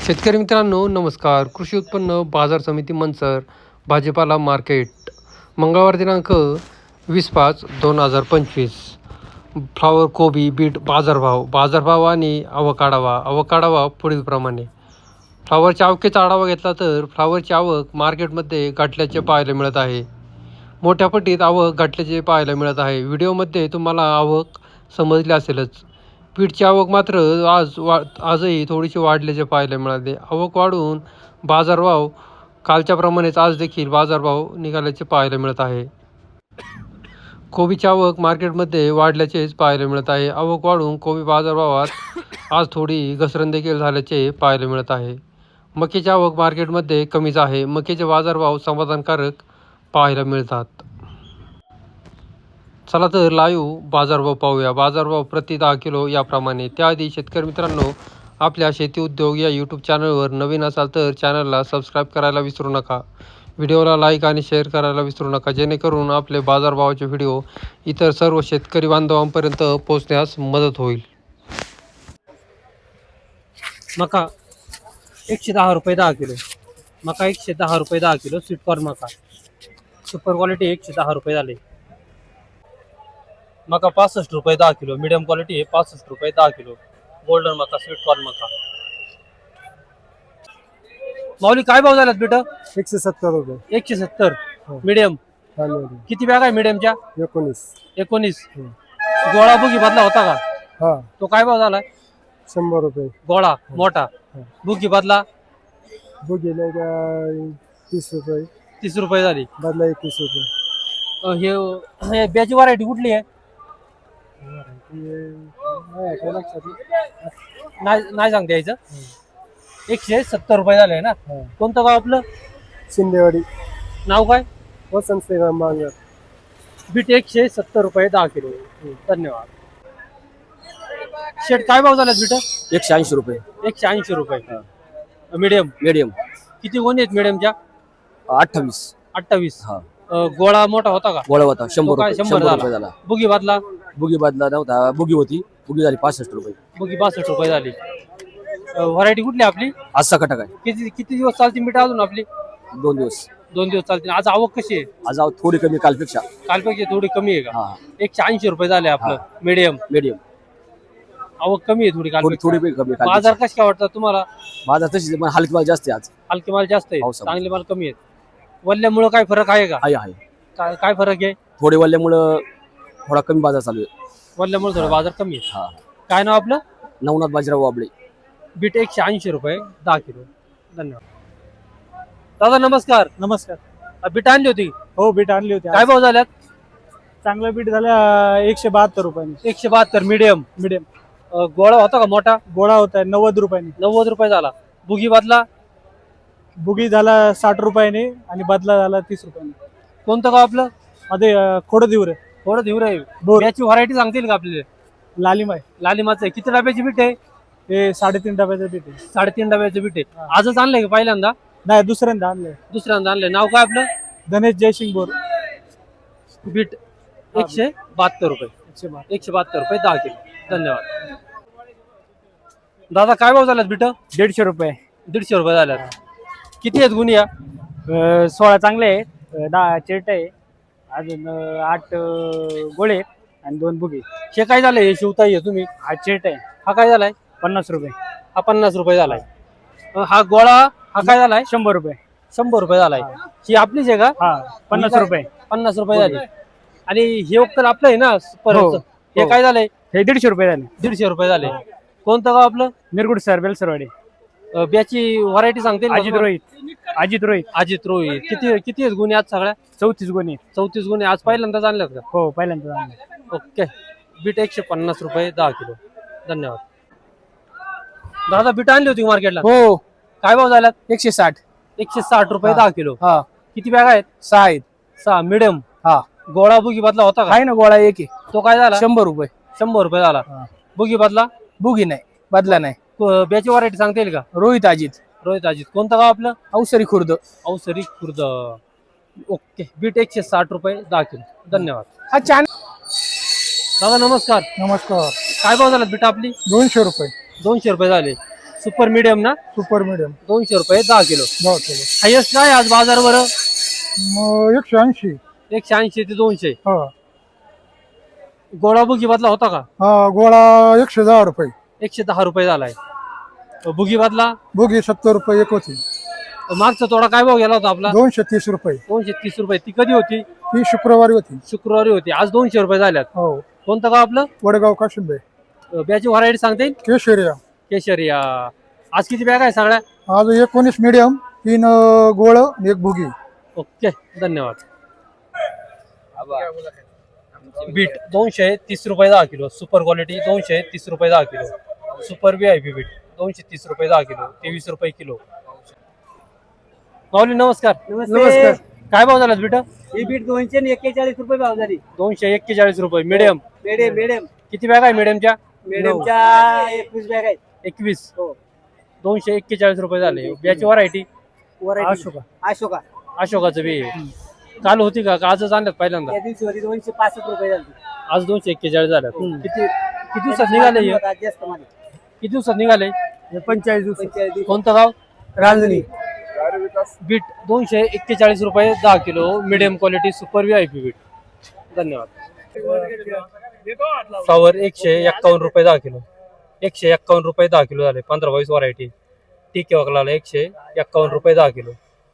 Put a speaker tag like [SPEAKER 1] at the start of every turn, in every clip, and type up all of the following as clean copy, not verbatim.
[SPEAKER 1] शेतकरी मित्रांनो नमस्कार. कृषी उत्पन्न बाजार समिती मंचर भाजीपाला मार्केट मंगळवार दिनांक 20/5/2025. फ्लावर, कोबी, बीट बाजारभाव आणि आवक पुढीलप्रमाणे. फ्लावरच्या आवकेचा आढावा घेतला तर फ्लावरची आवक मार्केटमध्ये घटल्याचे पाहायला मिळत आहे. मोठ्या पटीत आवक घटल्याचे पाहायला मिळत आहे. व्हिडिओमध्ये तुम्हाला आवक समजली असेलच. बीटची आवक मात्र आजही थोडीशी वाढल्याचे पाहायला मिळाले. आवक वाढून बाजारभाव कालच्याप्रमाणेच आज देखील बाजारभाव निघाल्याचे पाहायला मिळत आहे. कोबीची आवक मार्केटमध्ये वाढल्याचेच पाहायला मिळत आहे. आवक वाढून कोबी बाजारभावात आज थोडी घसरण देखील झाल्याचे पाहायला मिळत आहे. मक्याची आवक मार्केटमध्ये कमीच आहे. मक्याचे बाजारभाव समाधानकारक पाहायला मिळतात. चला तर लाईव्ह बाजारभाव पाहूया. बाजारभाव प्रति 10 किलो याप्रमाणे. त्याआधी शेतकरी मित्रांनो, आपल्या शेती उद्योग या यूट्यूब चॅनलवर नवीन असाल तर चॅनलला सबस्क्राईब करायला विसरू नका. व्हिडिओला लाईक आणि शेअर करायला विसरू नका, जेणेकरून आपले बाजारभावाचे व्हिडिओ इतर सर्व शेतकरी बांधवांपर्यंत पोहोचण्यास मदत होईल.
[SPEAKER 2] मका 110 रुपये 10 किलो. मका 110 रुपये 10 किलो. स्वीटकॉर्न मका सुपर क्वालिटी 110 रुपये झाले. मका 65 रुपये 10 किलो. मीडियम क्वालिटी आहे 65 रुपये 10 किलो. गोल्डन मका, स्वीटकॉर्न मका. माऊली काय भाव झालात बेटा?
[SPEAKER 3] 170 रुपये.
[SPEAKER 2] 170. मीडियम किती बॅग आहे मीडियमच्या? 19. गोळा बुगी बदला होता का?
[SPEAKER 3] हा,
[SPEAKER 2] तो काय भाव झाला?
[SPEAKER 3] 100 रुपये.
[SPEAKER 2] गोळा मोठा. बुगी बदला
[SPEAKER 3] बुगी नाही का 30 रुपये.
[SPEAKER 2] 30 रुपये झाली.
[SPEAKER 3] बदला 21 रुपये.
[SPEAKER 2] हे ब्याची व्हरायटी कुठली आहे? नाही सांगता यायचं. 170 रुपये झाले ना. कोणतं गाव आपलं?
[SPEAKER 3] शिंदेवाडी.
[SPEAKER 2] नाव काय?
[SPEAKER 3] वसंत श्रीराम बांगर.
[SPEAKER 2] बीट 170 रुपये 10 किलो. धन्यवाद. शेट काय भाव झाला बीट?
[SPEAKER 4] 180 रुपये.
[SPEAKER 2] 180 रुपये. मीडियम
[SPEAKER 4] मीडियम
[SPEAKER 2] किती गोणी आहेत मीडियमच्या?
[SPEAKER 4] 28.
[SPEAKER 2] 28.
[SPEAKER 4] हा,
[SPEAKER 2] गोळा मोठा होता का?
[SPEAKER 4] गोळा होता 100
[SPEAKER 2] तो काय
[SPEAKER 4] रुपये.
[SPEAKER 2] 100
[SPEAKER 4] रुपये झाला.
[SPEAKER 2] बुगी बदला?
[SPEAKER 4] बुगी बदला नव्हता. बुगी होती, बुगी झाली 65 रुपये.
[SPEAKER 2] बुगी 62 रुपये झाली. व्हरायटी कुठली आपली?
[SPEAKER 4] आज सकाट काय
[SPEAKER 2] किती दिवस चालते मीठ अजून आपली?
[SPEAKER 4] 2 दिवस.
[SPEAKER 2] 2 दिवस चालते. आज आवक कशी आहे?
[SPEAKER 4] आज थोडी कमी कालपेक्षा.
[SPEAKER 2] कालपेक्षा थोडी कमी आहे का?
[SPEAKER 4] हा,
[SPEAKER 2] 180 रुपये झाले आपलं मीडियम.
[SPEAKER 4] मीडियम
[SPEAKER 2] आवक कमी आहे थोडी
[SPEAKER 4] थोडी
[SPEAKER 2] काल.
[SPEAKER 4] कमी कालपेक्षा.
[SPEAKER 2] बाजार कसे काय वाटतात तुम्हाला?
[SPEAKER 4] माझा तशीच पण हलकी माल जास्त आहे आज.
[SPEAKER 2] हलके माल जास्त आहे,
[SPEAKER 4] पावसामुळे.
[SPEAKER 2] चांगले माल कमी आहेत. वल्ल्यामुळे काय फरक आहे का?
[SPEAKER 4] आहे.
[SPEAKER 2] काय फरक आहे?
[SPEAKER 4] थोडे वल्ल्यामुळं थोडा कमी बाजार चालू आहे.
[SPEAKER 2] वल्ल्यामुळे थोडा बाजार कमी आहे.
[SPEAKER 4] हा,
[SPEAKER 2] काय नाव आपलं?
[SPEAKER 4] नवनाथ बाजीराव वाबळे.
[SPEAKER 2] बीट 180 रुपये 10 किलो. धन्यवाद. दादा नमस्कार.
[SPEAKER 3] नमस्कार.
[SPEAKER 2] बीट आणली होती,
[SPEAKER 3] हो, बीट आणली होती.
[SPEAKER 2] काय भाव झाल्यात?
[SPEAKER 3] चांगलं बीट झाल्या 172 रुपयांनी.
[SPEAKER 2] 172 मीडियम.
[SPEAKER 3] मीडियम.
[SPEAKER 2] गोळा होता का मोठा?
[SPEAKER 3] गोळा होता 90 रुपयांनी.
[SPEAKER 2] 90 रुपये झाला. बुगी बदला?
[SPEAKER 3] बुगी झाला 60 रुपयांनी आणि बदला झाला 30 रुपयांनी.
[SPEAKER 2] कोणतं गाव आपलं?
[SPEAKER 3] मध्ये खोडं दिवरे.
[SPEAKER 2] थोडं धीर आहे.
[SPEAKER 3] बोर.
[SPEAKER 2] याची व्हरायटी सांगतील का आपल्याला?
[SPEAKER 3] लालिमाय.
[SPEAKER 2] लालिमाचं आहे. किती डब्याची बीट आहे?
[SPEAKER 3] हे 3.5 डब्याचं बीट आहे.
[SPEAKER 2] 3.5 डब्याचं बीट आहे. आजच आणलंय का पहिल्यांदा?
[SPEAKER 3] नाही, दुसऱ्यांदा आणलंय.
[SPEAKER 2] दुसऱ्यांदा आणलंय. नाव काय आपलं?
[SPEAKER 3] गणेश जयसिंग बोर.
[SPEAKER 2] बीट 172 रुपये. 172 रुपये 10 किलो. धन्यवाद. दादा काय भाव झाल्यात बीट?
[SPEAKER 3] 150 रुपये.
[SPEAKER 2] 150 रुपये झाल्यात. किती आहेत गुन्ह्या?
[SPEAKER 3] 16 चांगले आहेत. 10 चिरट आहे. अजून 8 गोळे आहेत आणि 2 बुगी.
[SPEAKER 2] हे काय झालंय? हे शिवताई आहे तुम्ही?
[SPEAKER 3] हा चिरट आहे.
[SPEAKER 2] हा काय झालाय?
[SPEAKER 3] 50 रुपये.
[SPEAKER 2] हा 50 रुपये झालाय. हा गोळा हा काय झालाय?
[SPEAKER 3] 100 रुपये.
[SPEAKER 2] 100 रुपये झालाय. ही आपलीच आहे का?
[SPEAKER 3] हा, 50 रुपये.
[SPEAKER 2] 50 रुपये झाली. आणि हे वक्कल आपलं आहे ना परत? हे
[SPEAKER 3] हो.
[SPEAKER 2] काय झालंय?
[SPEAKER 3] हे 150 रुपये झाले.
[SPEAKER 2] 150 रुपये झाले. कोणतं गाव आपलं?
[SPEAKER 3] निरगुड सर, बेलसरवाडी.
[SPEAKER 2] ब्याची व्हरायटी सांगते?
[SPEAKER 3] अजित रोहित.
[SPEAKER 2] अजित रोहित. किती आहेत गुन्हे आज सगळ्या?
[SPEAKER 3] 34 गुणी.
[SPEAKER 2] 34 गुन्हे. आज पहिल्यांदाच आणल्यात का?
[SPEAKER 3] हो, पहिल्यांदा आणले.
[SPEAKER 2] ओके. बीट 150 रुपये 10 किलो. धन्यवाद. दादा बीट आणली होती मार्केटला?
[SPEAKER 3] हो,
[SPEAKER 2] काय भाव झाल्यात?
[SPEAKER 3] 160.
[SPEAKER 2] 160 रुपये 10 किलो.
[SPEAKER 3] हा,
[SPEAKER 2] किती बॅग आहेत?
[SPEAKER 3] 6 आहेत.
[SPEAKER 2] 6 मीडियम.
[SPEAKER 3] हा,
[SPEAKER 2] गोळा बुगी बदला होता का?
[SPEAKER 3] आहे ना गोळा एक आहे.
[SPEAKER 2] तो काय झाला?
[SPEAKER 3] 100 रुपये.
[SPEAKER 2] 100 रुपये झाला. बुगी बदला?
[SPEAKER 3] बुगी नाही, बदला नाही.
[SPEAKER 2] ब्याची व्हरायटी सांगता येईल का?
[SPEAKER 3] रोहित अजित.
[SPEAKER 2] कोणतं गाव आपलं?
[SPEAKER 3] अवसरी खुर्द.
[SPEAKER 2] अवसरी खुर्द. ओके. बीट 160 रुपये 10 किलो. धन्यवाद.
[SPEAKER 3] हा छान.
[SPEAKER 2] दादा नमस्कार.
[SPEAKER 3] नमस्कार.
[SPEAKER 2] काय भाव झाला बीट आपली?
[SPEAKER 3] 200 रुपये.
[SPEAKER 2] 200 रुपये झाले. सुपर मीडियम ना
[SPEAKER 5] सुपर मीडियम
[SPEAKER 2] 200 रुपये 10 किलो.
[SPEAKER 5] 10 किलो.
[SPEAKER 2] हायस्ट काय आज बाजारवर?
[SPEAKER 5] मग 180.
[SPEAKER 2] 180 ते 200.
[SPEAKER 5] हा
[SPEAKER 2] गोळा बुगी बदला होता का?
[SPEAKER 5] हा गोळा 110 रुपये.
[SPEAKER 2] 110 रुपये झालाय. बुगी बदला
[SPEAKER 5] बोगी 70 रुपये एक होती.
[SPEAKER 2] मागचा तोडा काय भाव गेला होता आपला?
[SPEAKER 5] 230 रुपये.
[SPEAKER 2] 230 रुपये. ती कधी होती?
[SPEAKER 5] ही शुक्रवारी होती.
[SPEAKER 2] शुक्रवारी होती. आज 200 रुपये झाल्यात.
[SPEAKER 5] हो
[SPEAKER 2] कोणतं गाव आपलं?
[SPEAKER 5] वडगाव काशिंबे.
[SPEAKER 2] बॅची व्हरायटी सांगता येईल?
[SPEAKER 5] केशरिया.
[SPEAKER 2] केशरिया. आज किती बॅग आहे सगळ्या?
[SPEAKER 5] आज 19 मीडियम, 3 गोळ आणि 1 भुगी.
[SPEAKER 2] ओके धन्यवाद. बीट 230 रुपये 10 किलो. सुपर क्वालिटी 230 रुपये 10 किलो. सुपर VIP बीट 230 रुपये 10 किलो. 23 रुपये किलो. माऊली नमस्कार.
[SPEAKER 5] नमस्कार.
[SPEAKER 2] काय भाव झाला बीट?
[SPEAKER 3] ही बीट 241 रुपये भाव झाली.
[SPEAKER 2] 241 रुपये. मिडियम
[SPEAKER 3] मीडियम
[SPEAKER 2] किती बॅग आहे मिडियमच्या?
[SPEAKER 3] मीडियमच्या 21 बॅग आहेत.
[SPEAKER 2] 21. 241 रुपये झाले. याची व्हरायटी
[SPEAKER 3] अशोका
[SPEAKER 2] अशोकाचं बी आहे. काल होती का आजच आणल्यात पहिल्यांदा?
[SPEAKER 3] त्या दिवशी होती 265 रुपये झाली.
[SPEAKER 2] आज 241 झाल्यात. किती दिवसात निघाले हे?
[SPEAKER 3] जास्त मध्ये
[SPEAKER 2] किती दिवसात निघाले?
[SPEAKER 3] 45 दिवस.
[SPEAKER 2] कोणतं गाव?
[SPEAKER 3] रांजणी.
[SPEAKER 2] बीट 241 रुपये 10 किलो. Medium quality super VIP beet. धन्यवाद. फ्लावर 151 रुपये 10 किलो. 151 रुपये 10 किलो झाले. 15-22 व्हरायटी. टिके वकलाला 151 रुपये 10 किलो.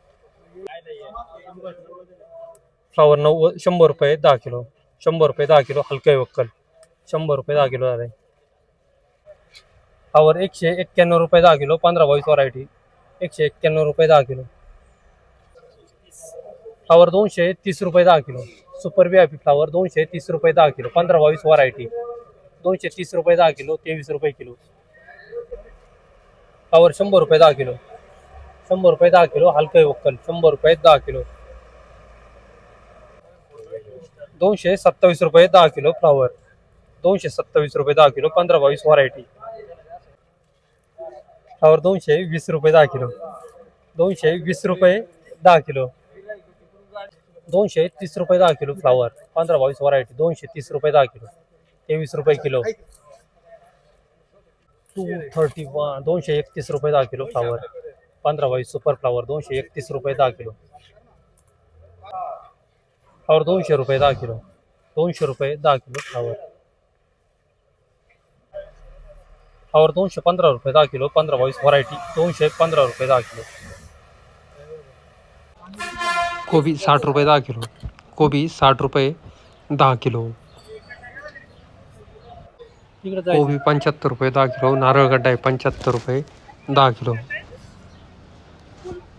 [SPEAKER 2] फ्लावर 100 रुपये 10 किलो. 100 रुपये 10 किलो. हलके वक्कल 100 रुपये 10 किलो झाले. फ्लावर 191 रुपये 10 किलो. 15-22 व्हरायटी. 191 रुपये 10 किलो. फ्लावर 230 रुपये 10 किलो. सुपर VIP फ्लावर 230 रुपये 10 किलो. 15-22 व्हरायटी. 230 रुपये 10 किलो. 23 रुपये किलो. फ्लावर 100 रुपये 10 किलो. 100 रुपये 10 किलो. हलके वक्कल 100 रुपये 10 किलो. 227 रुपये 10 किलो. फ्लावर 227 रुपये 10 किलो. 15-22 व्हरायटी. फ्लावर 220 रुपये 10 किलो. 220 रुपये 10 किलो. 230 रुपये 10 किलो. Flower 15-22 variety. 230 रुपये 10 किलो. 23 रुपये किलो. 231 231 रुपये 10 किलो. फ्लावर 15-22 सुपर फ्लावर 231 रुपये 10 किलो. फ्लावर 200 रुपये 10 किलो. 200 रुपये 10 किलो. फ्लावर 215 रुपये 10 किलो. 15-22 व्हरायटी. 215 रुपये 10 किलो. कोबी 60 रुपये 10 किलो. कोबी 60 रुपये 10 किलो. कोबी 75 रुपये 10 किलो. नारळ गड्डा आहे 75 रुपये 10 किलो.